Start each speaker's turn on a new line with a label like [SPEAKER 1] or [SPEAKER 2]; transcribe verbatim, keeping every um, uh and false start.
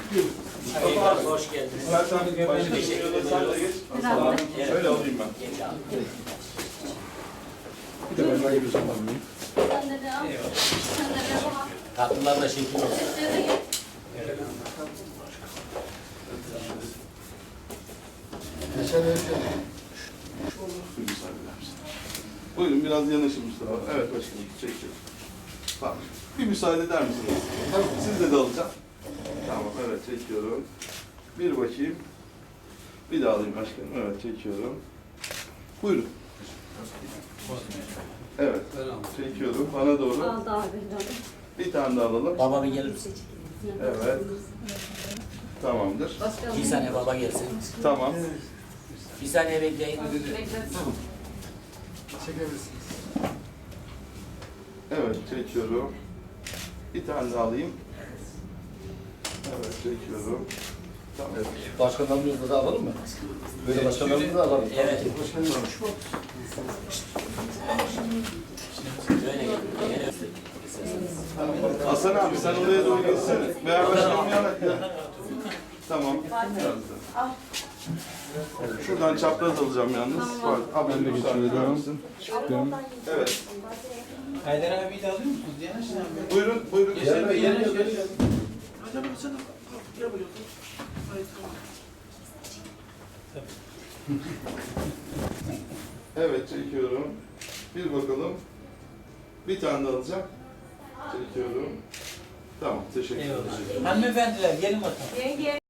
[SPEAKER 1] Mustafa abi hoş geldiniz.
[SPEAKER 2] Zaten başka
[SPEAKER 1] Teşekkür
[SPEAKER 2] bir
[SPEAKER 1] ederim.
[SPEAKER 2] sen de geç.
[SPEAKER 1] Evet.
[SPEAKER 2] Şöyle alayım ben.
[SPEAKER 1] Geç abi.
[SPEAKER 2] Bir de ben böyle bir zaman alayım.
[SPEAKER 3] Sen de devam. Sen de devam.
[SPEAKER 1] Tatlılar da şekil olsun.
[SPEAKER 3] Size de gel.
[SPEAKER 2] Bir müsaade eder misin? Buyurun biraz yanaşın Mustafa. Evet başkanım çekiyorum. Tamam. Bir müsaade eder misiniz? Tamam. Siz de alacağım. Tamam evet çekiyorum. Bir bakayım. Bir daha alayım başkanım. Evet çekiyorum. Buyurun. Evet. Çekiyorum. Bana doğru.
[SPEAKER 3] Aldı abi.
[SPEAKER 2] Bir tane daha alalım.
[SPEAKER 1] Baba bir gelir misin?
[SPEAKER 2] Evet. Tamamdır.
[SPEAKER 1] Bir saniye baba gelsin.
[SPEAKER 2] Tamam.
[SPEAKER 1] Bir saniye bekleyin.
[SPEAKER 2] Evet çekiyorum. Bir tane daha alayım. Evet çekiyorum. Tamam.
[SPEAKER 4] Başkanlarımızı da alalım mı? Böyle başkanlarımızı da alalım.
[SPEAKER 1] Evet. Böyle gel. Gel.
[SPEAKER 2] Hasan abi sen oraya doğru geçsene. Veya başkanım yana gel. Tamam. Şuradan çapraz alacağım yalnız. Var. Abi ben de geçiyorum. Evet.
[SPEAKER 5] Haydar abiyi de alıyor musunuz? Yanaşın abi.
[SPEAKER 2] Buyurun, buyurun.
[SPEAKER 5] Yaşar Bey yanaş yanaş.
[SPEAKER 6] Hadi abi sen de gel buraya. Hayır tamam.
[SPEAKER 2] Evet çekiyorum. Bir bakalım. Bir tane daha alacağım. Çekiyorum. Tamam teşekkür ederim.
[SPEAKER 5] Eyvallah. Hanımefendiler gelin bakalım.
[SPEAKER 3] Yenge.